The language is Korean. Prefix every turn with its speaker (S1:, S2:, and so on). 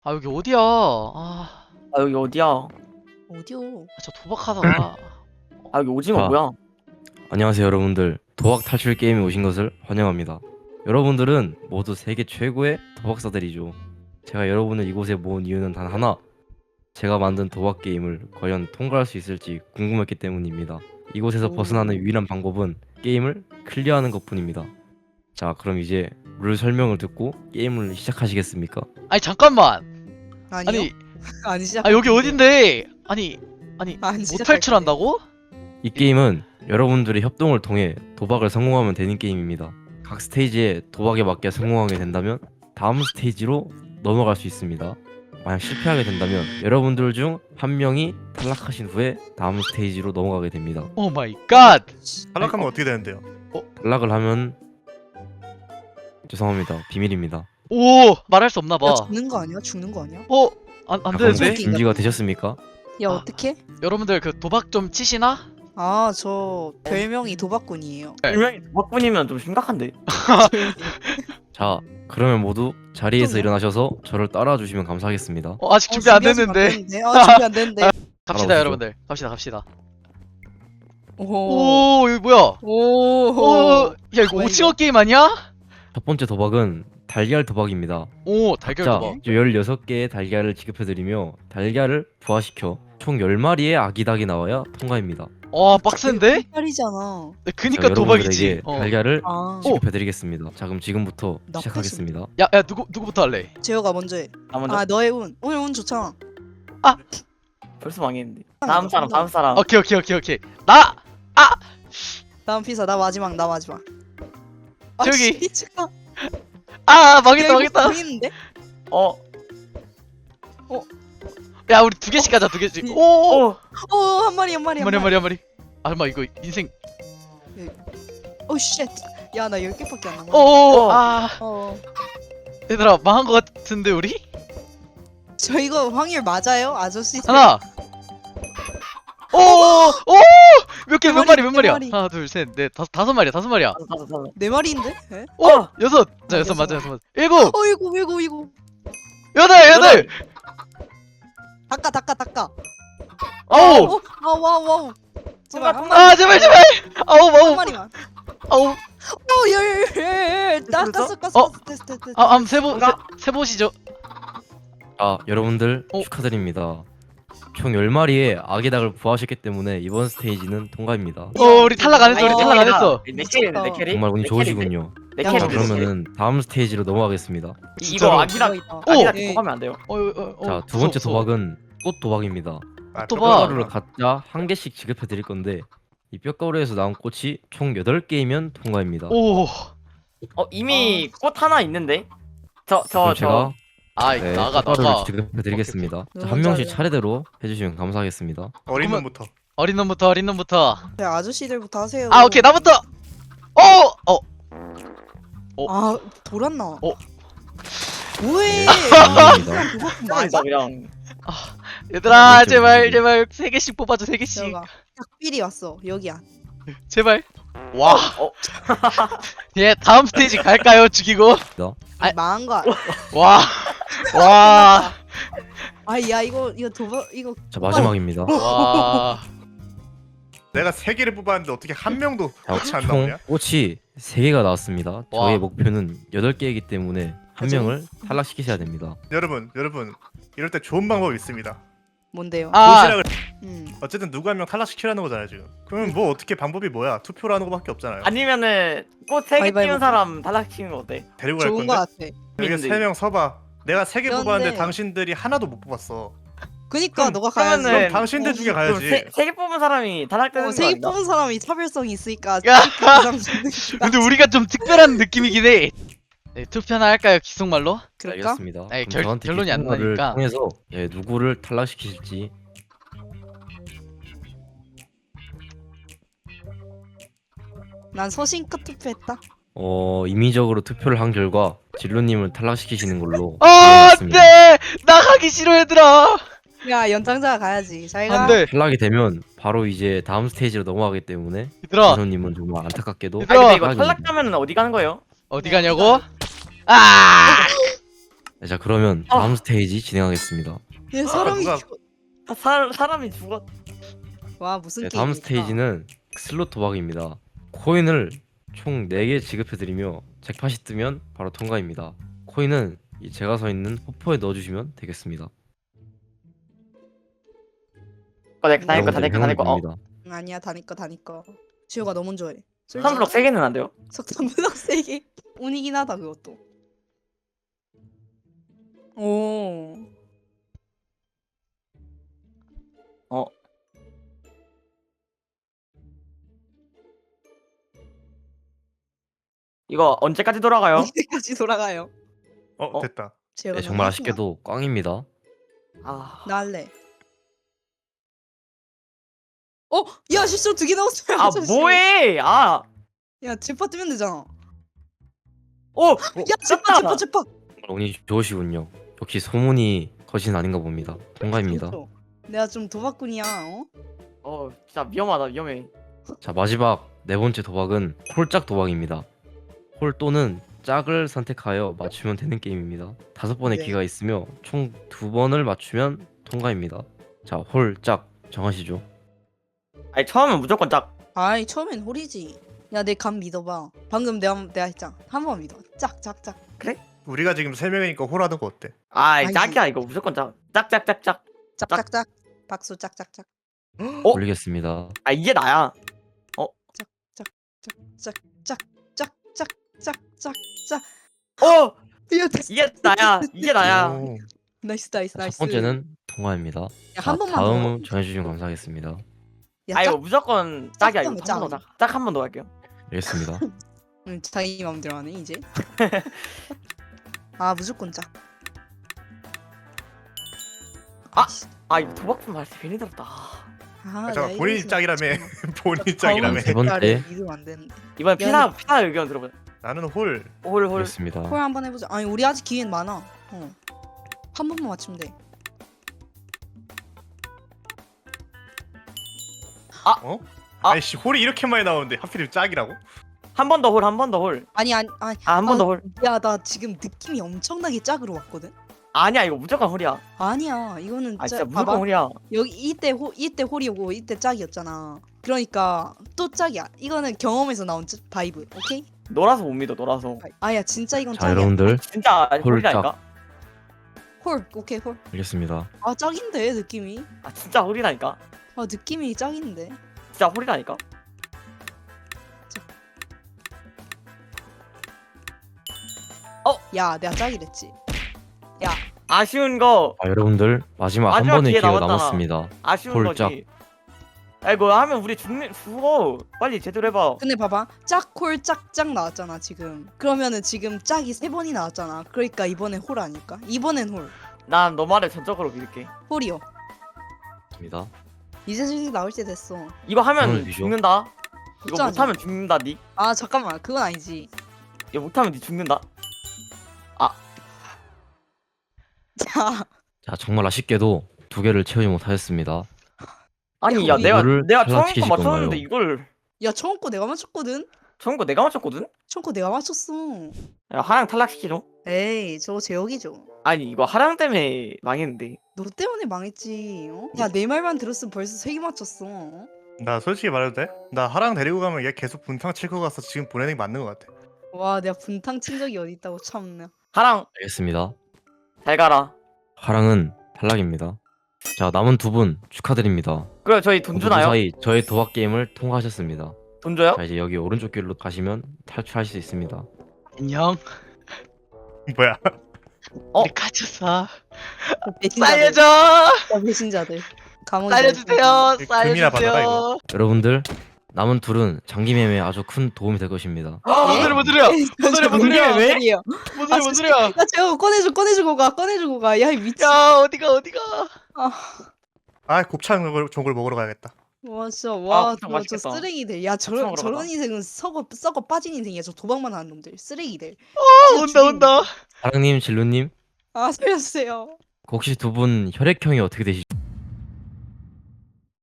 S1: 아 여기 어디야? 아,
S2: 아 여기 어디야?
S3: 어디요?
S1: 저 도박하다가
S2: 아 여기 오징어
S4: 자.
S2: 뭐야?
S4: 안녕하세요 여러분들. 도박 탈출 게임에 오신 것을 환영합니다. 여러분들은 모두 세계 최고의 도박사들이죠. 제가 여러분을 이곳에 모은 이유는 단 하나, 제가 만든 도박 게임을 과연 통과할 수 있을지 궁금했기 때문입니다. 이곳에서
S3: 오.
S4: 벗어나는 유일한 방법은 게임을 클리어하는 것뿐입니다. 자, 그럼 이제 룰 설명을 듣고 게임을 시작하시겠습니까?
S1: 아니 잠깐만.
S3: 아니요?
S1: 아니
S3: 안 시작.
S1: 아 여기 어딘데? 아니
S3: 안
S1: 못
S3: 시작할
S1: 탈출한다고?
S4: 이 게임은 여러분들의 협동을 통해 도박을 성공하면 되는 게임입니다. 각 스테이지에 도박에 맞게 성공하게 된다면 다음 스테이지로 넘어갈 수 있습니다. 만약 실패하게 된다면 여러분들 중 한 명이 탈락하신 후에 다음 스테이지로 넘어가게 됩니다.
S1: 오 마이 갓.
S5: 탈락하면 어떻게 되는데요?
S4: 탈락을 하면 죄송합니다. 비밀입니다.
S1: 오 말할 수 없나 봐.
S3: 야, 죽는 거 아니야? 죽는 거 아니야?
S1: 안
S4: 방송
S1: 되는데?
S3: 웃기다.
S4: 준비가 되셨습니까?
S3: 야
S1: 아.
S3: 어떻게?
S1: 여러분들 그 도박 좀 치시나?
S3: 아 저 별명이 도박꾼이에요.
S2: 분명히 도박꾼이면 좀 심각한데.
S4: 자, 그러면 모두 자리에서
S3: 좀-
S4: 일어나셔서 저를 따라와 주시면 감사하겠습니다.
S1: 아직 준비 안
S3: 준비하시면
S1: 됐는데.
S3: 아 준비 안 됐는데.
S1: 갑시다
S4: 따라오시죠.
S1: 여러분들. 갑시다.
S3: 오.
S1: 오 여기 뭐야?
S3: 오.
S1: 오, 야 이거
S3: 뭐야,
S1: 오징어
S3: 이거?
S1: 게임 아니야?
S4: 첫 번째 도박은 달걀 도박입니다.
S1: 오 달걀
S4: 자,
S1: 도박.
S4: 16개의 달걀을 지급해드리며 달걀을 부화시켜 총 10마리의 아기 닭이 나와야 통과입니다.
S1: 와 빡센데?
S3: 팔이잖아.
S1: 그니까
S4: 자,
S1: 도박이지.
S4: 여러분들에게 달걀을
S3: 아.
S4: 지급해드리겠습니다. 자, 그럼 지금부터
S3: 나쁘지.
S4: 시작하겠습니다.
S1: 야 누구부터 할래?
S3: 재호가 먼저 해.
S2: 나 먼저
S3: 아 너의 운. 오늘 운 좋잖아.
S2: 벌써 망했는데. 다음 사람.
S1: 오케이. 나
S3: 다음 피사 나 마지막. 아,
S1: 저기.
S3: 씨, 잠깐.
S1: 망했다.
S3: 보이는데?
S2: 어.
S1: 야 우리 두 개씩 가자 두 개씩. 오.
S2: 어.
S3: 오한 마리.
S1: 한 마리. 아 잠깐 이거 인생.
S3: 오 쉣. 야나 10개밖에 안 남았어.
S1: 오.
S2: 어.
S1: 아 얘들아 망한 거 같은데 우리?
S3: 저 이거 확률 맞아요? 아저씨?
S1: 하나. 오. 몇
S3: 몇
S1: 마리야?
S3: 마리?
S1: 하나 둘 셋 넷 다섯 마리야.
S2: 다섯.
S3: 네 마리인데? 에?
S1: 오 여섯. 자 여섯 맞아. 일곱.
S3: 이거.
S1: 여덟.
S3: 닦아.
S1: 아홉.
S3: 와우. 제발 한
S1: 아 제발. 아홉.
S3: 마리만.
S1: 아홉.
S3: 열. 닦았어. 테스트.
S1: 한번 세보시죠.
S4: 자, 여러분들
S1: 어?
S4: 축하드립니다. 총 10마리의 아기 닭을 부화시켰기 때문에 이번 스테이지는 통과입니다.
S1: 우리 탈락 안 했어. 우리 탈락 안 했어.
S2: 내 캐리네 내 캐리.
S4: 정말 운이
S2: 내
S4: 좋으시군요.
S2: 내
S3: 야,
S2: 캐리.
S4: 자,
S3: 그러면-
S4: 그러면은 다음 스테이지로 넘어가겠습니다.
S1: 진짜로?
S2: 이거 아기랑 아기랑
S3: 예.
S2: 도박하면 안 돼요.
S4: 자, 두 번째 도박은 꽃 도박입니다.
S5: 아,
S1: 또 봐.
S4: 뼈가루를 각자 한 개씩 지급해 드릴 건데 이 뼈가루에서 나온 꽃이 총 8개이면 통과입니다.
S1: 오.
S2: 이미 꽃 하나 있는데.
S4: 그럼
S2: 저
S4: 제가
S1: 네, 나가.
S4: 뼈가루를 지급해 드리겠습니다. 자, 한 명씩
S3: 잘해.
S4: 차례대로 해주시면 감사하겠습니다.
S5: 어린
S1: 그러면-
S5: 놈부터.
S1: 어린 놈부터.
S3: 네, 아저씨들부터 하세요.
S1: 오케이 나부터.
S3: 아 돌았나?
S4: 네,
S3: 뭐해?
S4: 감사합니다.
S3: 도박꾼
S2: 나
S3: 맞아?
S2: 그냥
S1: 얘들아
S4: 왼쪽,
S1: 제발
S4: 왼쪽.
S1: 3개씩 뽑아줘 3개씩.
S3: 제가 딱삘이 왔어. 여기야.
S1: 제발. 와.
S2: 어.
S1: 예 다음 스테이지 갈까요? 죽이고. 아.
S3: 망한 거.
S1: 와. 와.
S3: 아야 이거 도박 이거
S4: 자, 마지막입니다.
S1: 와.
S5: 내가 3개를 뽑았는데 어떻게 한 명도
S4: 자,
S5: 같이 안
S4: 총
S5: 나오냐?
S4: 꽃이 3개가 나왔습니다. 저의
S1: 와.
S4: 목표는 8개이기 때문에 한
S3: 그죠?
S4: 명을 탈락시키셔야 됩니다.
S5: 여러분 이럴 때 좋은 방법이 있습니다.
S3: 뭔데요?
S5: 도시락을 어쨌든 누구 한 명 탈락시키라는 거잖아요 지금. 그러면 뭐 어떻게 방법이 뭐야? 투표를 하는 거밖에 없잖아요.
S2: 아니면은 꽃 3개
S3: 가위바위보.
S2: 띄운 사람 탈락시키는 거 어때?
S5: 데리고 갈
S3: 좋은 거
S5: 건데.
S3: 같아.
S5: 여기
S2: 있는데.
S5: 3명 서봐. 내가 3개
S3: 그런데-
S5: 뽑았는데 당신들이 하나도 못 뽑았어.
S3: 그니까
S5: 그럼-
S3: 너가 가야지.
S2: 그러면은
S5: 그럼 당신들 중에 가야지.
S2: 3개 뽑은 사람이 탈락되는 거
S3: 세개
S2: 아닌가?
S3: 뽑은 사람이 차별성이 있으니까
S1: 야.
S3: 부상승
S1: 근데 우리가 좀 특별한 느낌이긴 해. 네, 투표나 할까요? 기속말로?
S3: 그럴까?
S4: 알겠습니다.
S1: 아니,
S4: 그럼 저한테
S1: 결론이 안
S4: 기승말을
S1: 나니까.
S4: 통해서 누구를 탈락시키실지
S3: 난 소신껏 투표했다.
S4: 임의적으로 투표를 한 결과 진로님을 탈락시키시는 걸로
S1: 안
S4: 정했습니다.
S1: 돼! 나 가기 싫어 얘들아!
S3: 야 연장자가 가야지. 잘가.
S1: 안 돼!
S4: 탈락이 되면 바로 이제 다음 스테이지로 넘어가기 때문에
S1: 얘들아!
S4: 진로님은 정말 안타깝게도
S1: 얘들아!
S2: 근데 이거
S4: 탈락입니다.
S2: 탈락하면은 어디 가는 거예요?
S1: 어디 가냐고? 아!
S4: 네, 자 그러면 다음 스테이지 진행하겠습니다.
S3: 얘 사람이
S5: 누가-
S3: 죽어.
S2: 사람이 죽었.
S3: 와 무슨
S4: 네,
S3: 게임이야?
S4: 다음 스테이지는 슬롯 도박입니다. 코인을 총 4개 지급해드리며 잭팟이 뜨면 바로 통과입니다. 코인은 이 제가 서 있는 호포에 넣어주시면 되겠습니다. 여러분들 행운을
S2: 어,
S4: 빕니다.
S3: 아니야 다니까. 지호가 너무 좋아해.
S2: 한블럭 3개는 안 돼요?
S3: 석탄블럭 3개. 운이긴 하다 그것도. 오.
S2: 어. 이거 언제까지 돌아가요?
S3: 이때까지 돌아가요.
S5: 됐다.
S3: 지호가
S4: 네,
S3: 너무
S4: 정말
S3: 하구나.
S4: 아쉽게도 꽝입니다.
S2: 아,
S3: 나 할래. 야 실수로 2개 넣었어요.
S2: 아
S3: 아저씨.
S2: 뭐해? 아,
S3: 야 제파 뜨면 되잖아.
S2: 오,
S3: 야 제파.
S4: 정말 운이 좋으시군요. 역시 소문이 거짓은 아닌가 봅니다. 통과입니다.
S3: 그렇죠. 내가 좀 도박꾼이야.
S2: 진짜 위험하다, 위험해.
S4: 자 마지막 4번째 도박은 홀짝 도박입니다. 홀 또는 짝을 선택하여 맞추면 되는 게임입니다. 5번의
S3: 네.
S4: 기회가 있으며 총 2번을 맞추면 통과입니다. 자 홀 짝 정하시죠.
S2: 아니 처음엔 무조건 짝.
S3: 아이 처음엔 홀이지. 야 내 감 믿어봐. 방금 내가 했잖아. 한 번 믿어. 짝.
S5: 우리가 지금 3명이니까 홀하는 거 어때?
S2: 아이
S3: 아니.
S2: 짝이야 이거 무조건 짝. 짝짝짝짝.
S3: 짝짝짝. 박수 짝짝짝.
S2: 어?
S4: 올리겠습니다.
S2: 아 이게 나야.
S3: 짝짝짝짝짝짝.
S2: 어,
S3: 야
S2: 이게 나야. 이게 나야.
S5: 오.
S3: 나이스.
S4: 첫 번째는 통과입니다.
S3: 야,
S4: 자,
S3: 한 번만
S4: 다음
S3: 더.
S4: 정해주시면 감사하겠습니다.
S3: 야,
S2: 아 이거
S3: 짝.
S2: 무조건 짝이야 이거.
S3: 짝.
S2: 짝 한 번 더 할게요.
S4: 알겠습니다.
S3: 자기 마음대로 하네 이제. 아 무조건 짝.
S2: 아 이거 도박품 말때 괜히 들었다.
S5: 잠깐 본인이 짝이라며. 본인이
S3: 짝이라며.
S5: 짝이라며.
S4: 세 번째.
S3: 믿으면 안 되는데.
S2: 이번 피나 의견 들어보자.
S5: 나는 홀.
S2: 홀.
S4: 알겠습니다.
S3: 콜 한번 해보자. 아니 우리 아직 기회는 많아. 한 번만 맞추면 돼.
S5: 어?
S2: 아.
S5: 아이씨 홀이 이렇게 많이 나오는데 하필 짝이라고?
S2: 한 번 더 홀, 한 번 더 홀.
S3: 아니.
S2: 아 한 번 더 홀.
S3: 야 나 지금 느낌이 엄청나게 짝으로 왔거든.
S2: 아니야 이거 무조건 홀이야.
S3: 아니야 이거는
S2: 아 진짜
S3: 짝.
S2: 무조건
S3: 봐봐.
S2: 홀이야.
S3: 여기 이때 홀이고 이때 짝이었잖아. 그러니까 또 짝이야. 이거는 경험에서 나온 바이브. 오케이?
S2: 놀아서 못 믿어 놀아서.
S3: 아야 진짜 이건
S4: 자
S3: 짝이야.
S4: 여러분들
S2: 진짜
S4: 홀
S2: 홀이라니까.
S3: 홀 오케이 홀.
S4: 알겠습니다.
S3: 아 짝인데 느낌이.
S2: 아 진짜 홀이라니까.
S3: 아 느낌이 짝인데.
S2: 진짜 홀이라니까.
S3: 야 내가 짝이랬지.
S2: 아쉬운 거
S4: 자 여러분들 마지막 한
S2: 마지막
S4: 번의
S2: 기회
S4: 기회가
S2: 남았잖아.
S4: 남았습니다.
S2: 아쉬운
S4: 홀짝.
S2: 거지. 아 이거 하면 우리 죽어. 빨리 제대로 해봐.
S3: 근데 봐봐 짝홀 짝짝 나왔잖아 지금. 그러면은 지금 짝이 3번이 나왔잖아. 그러니까 이번엔 홀 아닐까? 이번엔 홀.
S2: 난 너 말을 전적으로 믿을게.
S3: 홀이요.
S4: 입니다.
S3: 이제 슬슬 나올 때 됐어.
S2: 이거 하면
S4: 오늘 비죠?
S2: 죽는다. 이거
S3: 걱정하지
S2: 못하면 죽는다 니.
S3: 아 잠깐만 그건 아니지.
S2: 이거 못하면 니 죽는다.
S3: 자
S4: 자 정말 아쉽게도 2개를 채우지 못하였습니다.
S2: 아니
S3: 야,
S2: 야 내가
S4: 이거를
S2: 처음 거
S4: 탈락시키실
S2: 맞췄는데
S4: 건가요?
S2: 이걸
S3: 야 처음 거 내가 맞췄거든?
S2: 처음 거 내가 맞췄거든?
S3: 처음 거 내가 맞췄어.
S2: 야 하랑 탈락시키죠.
S3: 에이 저거 제역이죠.
S2: 아니 이거 하랑 때문에 망했는데.
S3: 너 때문에 망했지. 어? 야내 말만 들었으면 벌써 3개 맞췄어.
S5: 나 솔직히 말해도 돼? 나 하랑 데리고 가면 얘 계속 분탕 칠 거 가서 지금 보내는 게 맞는 거 같아.
S3: 와 내가 분탕 친 적이 어디 있다고 참나.
S2: 하랑
S4: 알겠습니다.
S2: 잘 가라.
S4: 하랑은 탈락입니다. 자 남은 2분 축하드립니다.
S2: 그래 저희 돈
S4: 모두
S2: 주나요?
S4: 무사히 저의 도박 게임을 통과하셨습니다.
S2: 돈 줘요?
S4: 자 이제 여기 오른쪽 길로 가시면 탈출하실 수 있습니다.
S1: 안녕.
S5: 뭐야?
S2: 어?
S1: 우리 갇혔어.
S3: 배신자들.
S1: 살려줘.
S3: 배신자들. 감옥에
S1: 살려주세요.
S5: 금이나 받아라,
S1: 살려주세요.
S5: 이거.
S4: 여러분들 남은 둘은 장기 매매에 아주 큰 도움이 될 것입니다.
S1: 뭔 소리 뭔 소리야? 뭔 소리야 뭔 소리야?
S2: 왜?
S1: 뭔 소리야 뭔 소리야?
S3: 야 제가 꺼내주고 가. 야 이 미친.
S1: 야 어디가?
S5: 아 곱창 종을 먹으러 가야겠다.
S3: 와 진짜
S2: 곱창
S3: 저
S2: 맛있겠다.
S3: 쓰레기들. 야
S2: 곱창
S3: 저런
S2: 먹으러
S3: 저런
S2: 가자.
S3: 인생은 썩어 빠진 인생이야. 저 도박만 하는 놈들. 쓰레기들.
S1: 온다.
S4: 하랑님, 진루님
S3: 아 살려주세요.
S4: 혹시 2분 혈액형이 어떻게 되시죠?